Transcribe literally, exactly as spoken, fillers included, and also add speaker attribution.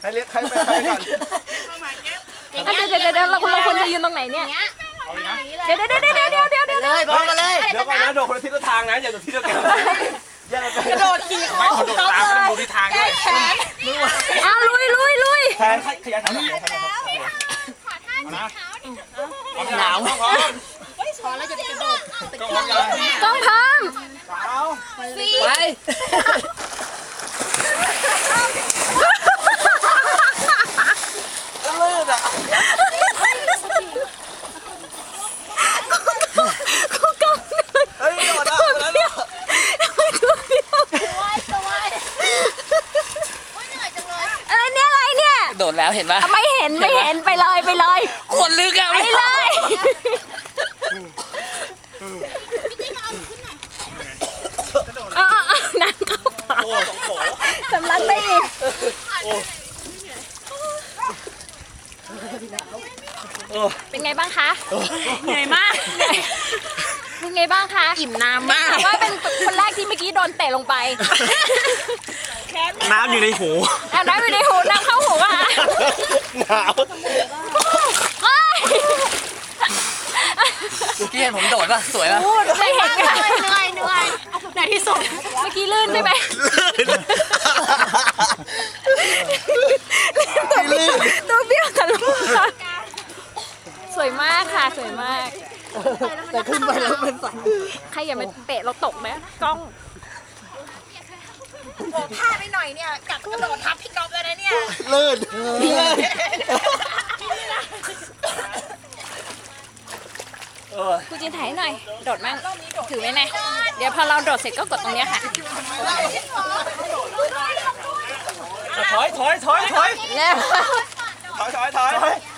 Speaker 1: ให้เรียกใครไปใครก่อน
Speaker 2: เดี๋ยวเดี๋ยวเดี๋ยวเราเราควรจะยืนตรงไหนเนี่ยเดี๋ยวเดี๋ยวเดี๋ยวเดี๋ยวเดี๋ยวเดี๋ยวเดี๋ยว
Speaker 3: เลยบอกกันเลย
Speaker 1: เดี๋ยวก่อนนะโดดคนละทิศละทางนะอย่าโดดทิศเดียวกัน
Speaker 3: กระโดดขี่คอ
Speaker 1: ไม่โดดตามกันดูทิศทางด้วย
Speaker 2: อ้าวลุยลุยลุย
Speaker 1: แทนขยันทำหนาวพร้อม
Speaker 3: พอแล้วจะไปกระโดด
Speaker 1: ก็พร้อมกัน
Speaker 2: กล้องพร้อม
Speaker 1: สาว
Speaker 3: ไป
Speaker 1: ลื่นอ่ะ
Speaker 2: กูกล้อง
Speaker 1: เฮ้ยโดดอ่ะแล้วเนี่ย
Speaker 2: อะไรเนี่ยอะไรเนี่ย
Speaker 3: โดดแล้วเห็นปะ
Speaker 2: ไม่เห็นไม่เห็นไปเลยไปเลย
Speaker 3: คนลึกอะ
Speaker 2: ไปเลย เอาเอาเอาน้ำเข้าปากสำลักได้อีกเป็นไงบ้างคะเหนื่อยมากเป็นไงบ้างคะอิ่มน้ำมากแต่ว่าเป็นคนแรกที่เมื่อกี้โดนเตะลงไป
Speaker 1: น้ำอยู่ในหู
Speaker 2: อ่ะน้ำอยู่ในหูน้ำเข้าหูอ่ะ
Speaker 1: หนาว
Speaker 2: เฮ้ย
Speaker 3: เมื่อกี้เห็นผมโดดปะสวยปะ
Speaker 2: ไม่เห็นค่ะ
Speaker 4: เหนื่อยเหนื่อยในที่สุด
Speaker 2: เมื่อกี้ลื่นใช่ไหม
Speaker 1: ลื่น
Speaker 2: ตัวเบี้ยวทะลุค่ะสวยมากค่ะสวยมาก
Speaker 3: แต่ขึ้นไปแล้วเป็นสัน
Speaker 2: ใครอย่ามาเตะเราตกนะกล้อง
Speaker 4: ผมพลาดไปหน่อยเนี่ยกัดกระโดดทับพี่ก๊อฟเลยนะเนี่ย
Speaker 1: ลื่นลื่น
Speaker 2: คุณจินถ่ายให้หน่อย โดดมั่งถือไว้นะเดี๋ยวพอเราโดดเสร็จก็กดตรงเนี้ยค่ะ
Speaker 1: ถอยถอยถอยถอย
Speaker 2: แล้ว
Speaker 1: ถอยถอยถอย